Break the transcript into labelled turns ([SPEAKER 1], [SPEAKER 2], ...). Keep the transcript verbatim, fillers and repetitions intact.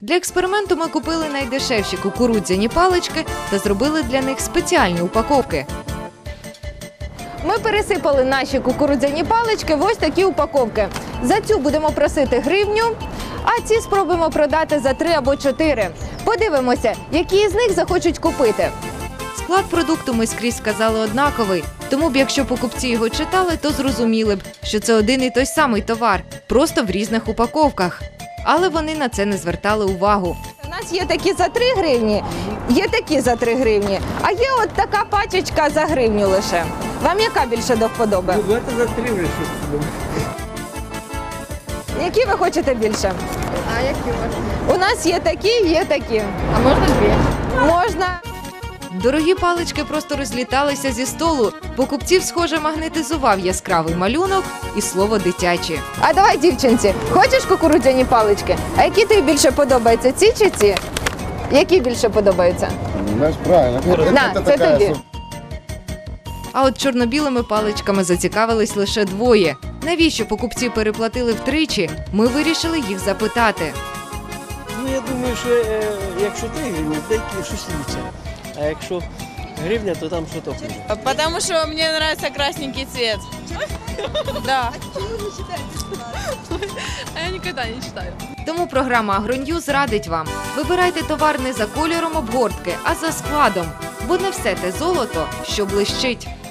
[SPEAKER 1] Для експерименту ми купили найдешевші кукурудзяні палички та зробили для них спеціальні упаковки. Ми пересипали наші кукурудзяні палички в ось такі упаковки. За цю будемо просити гривню, а ці спробуємо продати за три або чотири. Подивимося, які з них захочуть купити. Склад продукту ми скрізь сказали однаковий, тому б якщо покупці його читали, то зрозуміли б, що це один і той самий товар, просто в різних упаковках. Але вони на це не звертали увагу. У нас є такі за три гривні, є такі за три гривні, а є от така пачечка за гривню лише. Вам яка більше до вподоби?
[SPEAKER 2] Ну, це за три вже щось.
[SPEAKER 1] Які ви хочете більше?
[SPEAKER 3] А які можна?
[SPEAKER 1] У нас є такі, є такі.
[SPEAKER 3] А можна дві?
[SPEAKER 1] Можна. Дорогі палички просто розліталися зі столу. Покупців, схоже, магнетизував яскравий малюнок і слово «дитячі». А давай, дівчинці, хочеш кукурудзяні палички? А які тобі більше подобаються, ці чи ці? Які більше подобаються?
[SPEAKER 4] Знаешь, правильно.
[SPEAKER 1] На,
[SPEAKER 4] Это
[SPEAKER 1] це
[SPEAKER 4] такая
[SPEAKER 1] тобі.
[SPEAKER 4] су-
[SPEAKER 1] А от чорно-білими паличками зацікавились лише двоє. Навіщо покупці переплатили втричі, ми вирішили їх запитати.
[SPEAKER 2] Ну, я думаю, що е, якщо три гривні, деякі щось інше. А якщо гривня, то там що-то хуже.
[SPEAKER 5] Потому что мне нравится красненький цвет. Да. А я никогда не читаю.
[SPEAKER 1] Тому програма «Агроньюз» радить вам. Вибирайте товар не за кольором обгортки, а за складом. Бо не все те золото, що блищить.